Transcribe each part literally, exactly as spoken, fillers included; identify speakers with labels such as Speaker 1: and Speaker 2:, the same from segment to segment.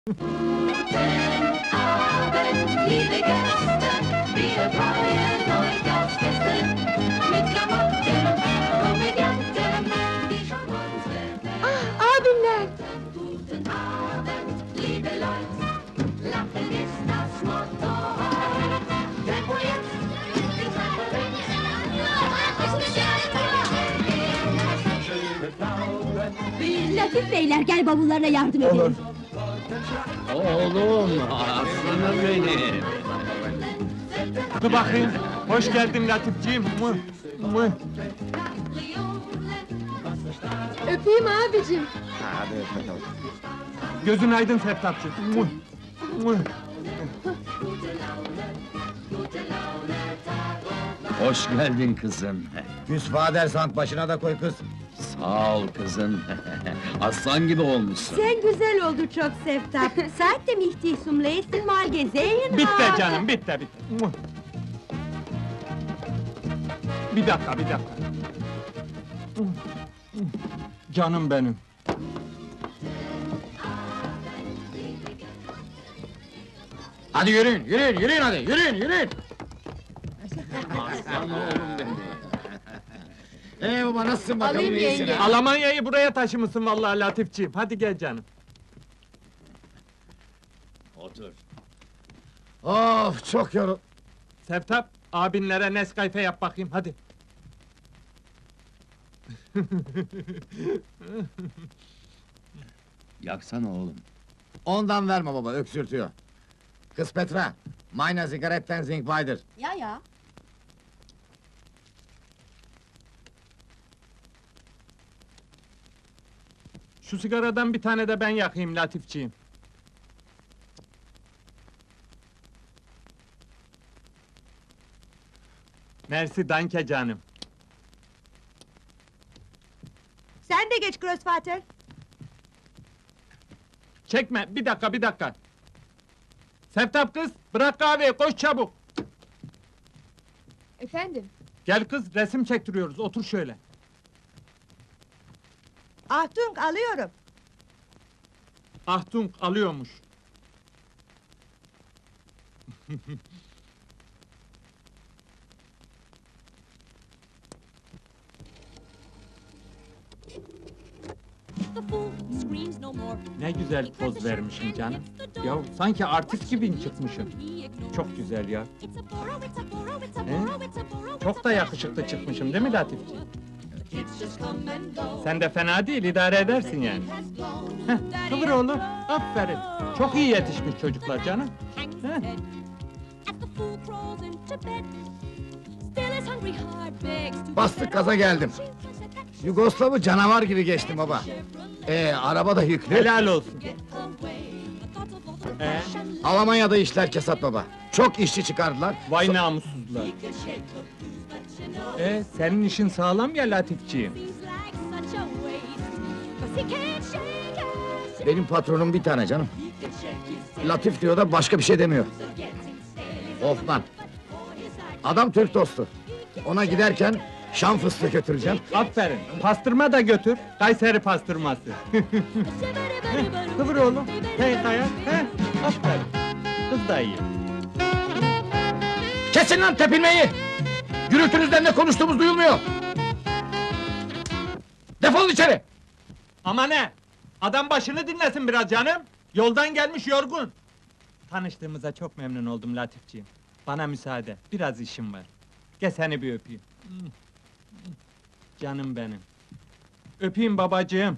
Speaker 1: Abend, liebe Gäste, wir freuen euch aufs Beste. Mit Klamotten, Komödianten, die schon unsere
Speaker 2: Ah, abimler!
Speaker 1: Guten Abend, liebe Leute, Lachen ist das Motto heute. Tempo jetzt, die Treppe
Speaker 2: Latif beyler, gel bavullarına yardım edelim.
Speaker 3: Olur.
Speaker 4: Oğlum, aslanım benim!
Speaker 3: Dur bakayım. Hoş geldin Latifciğim. Mıh, mıh.
Speaker 2: Öpeyim abicim.
Speaker 5: Hadi öp bakalım.
Speaker 3: Gözün aydın Seftapçığım. Mıh, mıh.
Speaker 4: Hoş geldin kızım.
Speaker 5: Küs Vadersand başına da koy kız.
Speaker 4: Sağ ol kızım. Aslan gibi olmuşsun.
Speaker 2: Sen güzel oldu çok Seftap. Seitdem ich dich zum letzten Mal gesehen
Speaker 3: Bitti
Speaker 2: habe.
Speaker 3: canım, bitti, bitti. Mıh. Bir dakika, bir dakika. Mıh, mıh. Canım benim.
Speaker 5: Hadi yürüyün, yürüyün, yürüyün hadi, yürüyün, yürüyün!
Speaker 4: Aslan oğlum benim.
Speaker 5: Ee baba nasılsın bakalım,
Speaker 2: Alayım
Speaker 5: iyisin
Speaker 2: yenge.
Speaker 5: ha?
Speaker 3: Almanya'yı buraya taşımışsın vallahi Latifciğim. Hadi gel canım.
Speaker 4: Otur.
Speaker 5: Of çok yorul...
Speaker 3: Seftap, abinlere Nescafe yap bakayım, hadi.
Speaker 4: Yaksana oğlum.
Speaker 5: Ondan verme baba, öksürtüyor. Kız Petra, meine Zigaretten sind weiter.
Speaker 2: Ya ya.
Speaker 3: Şu sigaradan bir tane de ben yakayım Latifciğim. Mersi danke canım.
Speaker 2: Sen de geç Grossvater.
Speaker 3: Çekme, bir dakika, bir dakika. Seftap kız, bırak kahveyi, koş çabuk.
Speaker 2: Efendim?
Speaker 3: Gel kız, resim çektiriyoruz, otur şöyle.
Speaker 2: Ahtung, alıyorum.
Speaker 3: Ahtung alıyormuş.
Speaker 6: The fool screams no more.
Speaker 3: Ne güzel poz vermişim canım. Ya sanki artist gibi çıkmışım. Çok güzel ya.
Speaker 6: It's a borrow, it's a borrow, it's a
Speaker 3: He?
Speaker 6: borrow, it's a borrow, it's
Speaker 3: Çok
Speaker 6: a
Speaker 3: da
Speaker 6: borrow.
Speaker 3: yakışıklı çıkmışım değil mi Latifci?
Speaker 1: Kids just come and go.
Speaker 3: Sen de fena değil, idare edersin yani. Heh, kıvır oğlum, aferin. Çok iyi yetişmiş çocuklar canım.
Speaker 6: Hangs his
Speaker 3: Heh.
Speaker 6: head as the fool crawls into bed. Still his hungry heart begs to be
Speaker 5: Bastık
Speaker 6: fed.
Speaker 5: gaza geldim. Yugoslav'ı canavar gibi geçtim baba. Ee, araba da yüklü.
Speaker 3: Helal olsun. Ee,
Speaker 5: Almanya'da işler kesat baba. Çok işçi çıkardılar.
Speaker 3: vay namussuzlar. Ee, senin işin sağlam ya Latifciğim.
Speaker 6: Seems like such a waste, 'cause he can't shake it.
Speaker 5: Benim patronum bir tane canım. Latif diyor da başka bir şey demiyor. Hoffman. Adam Türk dostu. Ona giderken Şam fıstığı götüreceğim.
Speaker 3: Aferin, pastırma da götür, Kayseri pastırması. Heh, kıvır oğlum, hey kaya, he, aferin. Kız da iyi.
Speaker 5: Kesin lan tepinmeyi! Gürültünüzden ne konuştuğumuz duyulmuyor! Defolun içeri!
Speaker 3: Ama ne? Adam başını dinlesin biraz canım. Yoldan gelmiş yorgun. Tanıştığımıza çok memnun oldum Latifciğim. Bana müsaade, biraz işim var. Gel seni bir öpeyim. Canım benim. Öpeyim babacığım.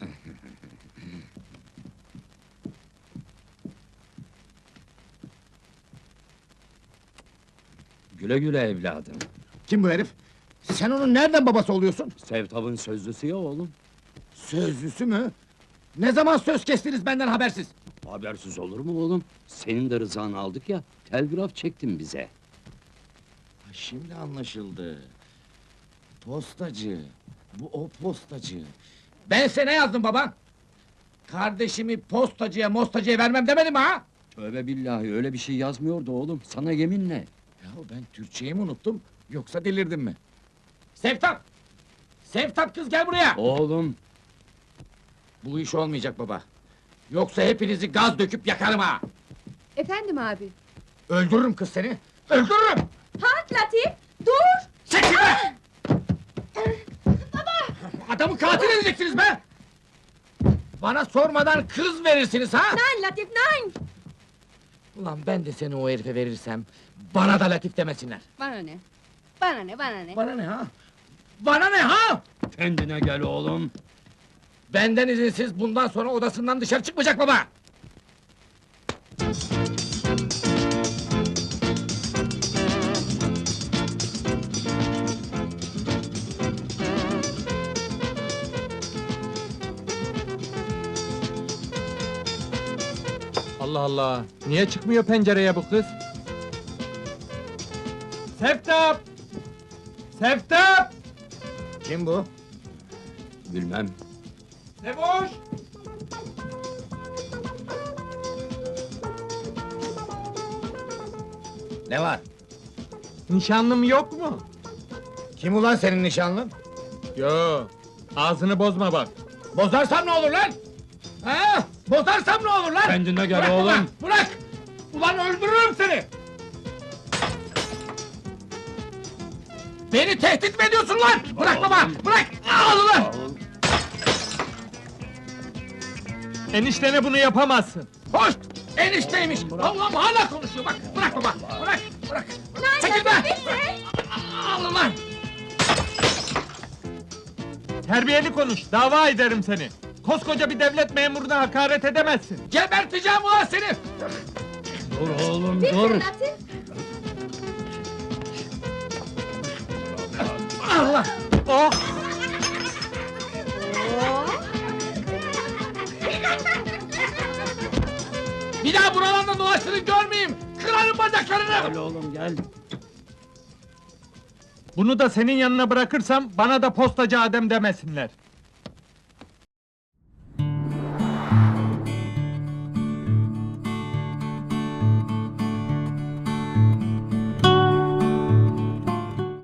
Speaker 4: Güle güle evladım.
Speaker 5: Kim bu herif? Sen onun nereden babası oluyorsun?
Speaker 4: Sevtap'ın sözlüsü ya oğlum.
Speaker 5: Sözlüsü mü? Ne zaman söz kestiniz benden habersiz?
Speaker 4: Habersiz olur mu oğlum? Senin de rızanı aldık ya, telgraf çektin bize.
Speaker 5: Şimdi anlaşıldı. Postacı. Bu o postacı. Ben sana ne yazdım baba? Kardeşimi postacıya mostacıya vermem demedim ha?
Speaker 4: Tövbe billahi, öyle bir şey yazmıyordu oğlum, sana yeminle.
Speaker 5: Ya ben Türkçeyi mi unuttum, yoksa delirdim mi? Sevtap! Sevtap kız gel buraya!
Speaker 4: Oğlum,
Speaker 5: Bu iş olmayacak baba. Yoksa hepinizi gaz döküp yakarım ha!
Speaker 2: Efendim abi.
Speaker 5: Öldürürüm kız seni! Öldürürüm!
Speaker 2: Halt Latif! Dur!
Speaker 5: Çekil be! Baba! Adamı katil edeceksiniz be! Bana sormadan kız verirsiniz ha!
Speaker 2: Nein Latif, nein!
Speaker 5: Ulan ben de seni o herife verirsem, bana da Latif demesinler!
Speaker 2: Bana ne? Bana ne, bana ne?
Speaker 5: Bana ne ha? Bana ne ha?
Speaker 4: Kendine gel oğlum.
Speaker 5: Benden izinsiz bundan sonra odasından dışarı çıkmayacak baba!
Speaker 3: Allah Allah! Niye çıkmıyor pencereye bu kız? Seftap! Seftap!
Speaker 5: Kim bu?
Speaker 4: Bilmem.
Speaker 3: Sevoş!
Speaker 5: Ne var?
Speaker 3: Nişanlım yok mu?
Speaker 5: Kim ulan senin nişanlın?
Speaker 3: Yo, ağzını bozma bak.
Speaker 5: Bozarsam ne olur lan? Ha? Bozarsam ne olur lan?
Speaker 4: Kendine gel
Speaker 5: Bırak
Speaker 4: oğlum.
Speaker 5: baba, bırak! Ulan öldürürüm seni! Beni tehdit mi ediyorsun lan? Bırak baba, bırak! Al ulan!
Speaker 3: Eniştene bunu yapamazsın.
Speaker 5: Hoş! Enişteymiş! Allah'ım hala konuşuyor bak! Bırak baba, bırak, bırak! Çekil be! Al ulan!
Speaker 3: Terbiyeli konuş, dava ederim seni. Koskoca bir devlet memuruna hakaret edemezsin.
Speaker 5: Geberteceğim ulan seni!
Speaker 4: Dur oğlum dur.
Speaker 2: Latif!
Speaker 5: Allah!
Speaker 3: Oh!
Speaker 5: Bir daha buralarda dolaştığını görmeyeyim! Kırarım bacaklarını!
Speaker 4: Gel oğlum gel.
Speaker 3: Bunu da senin yanına bırakırsam bana da postacı Adem demesinler.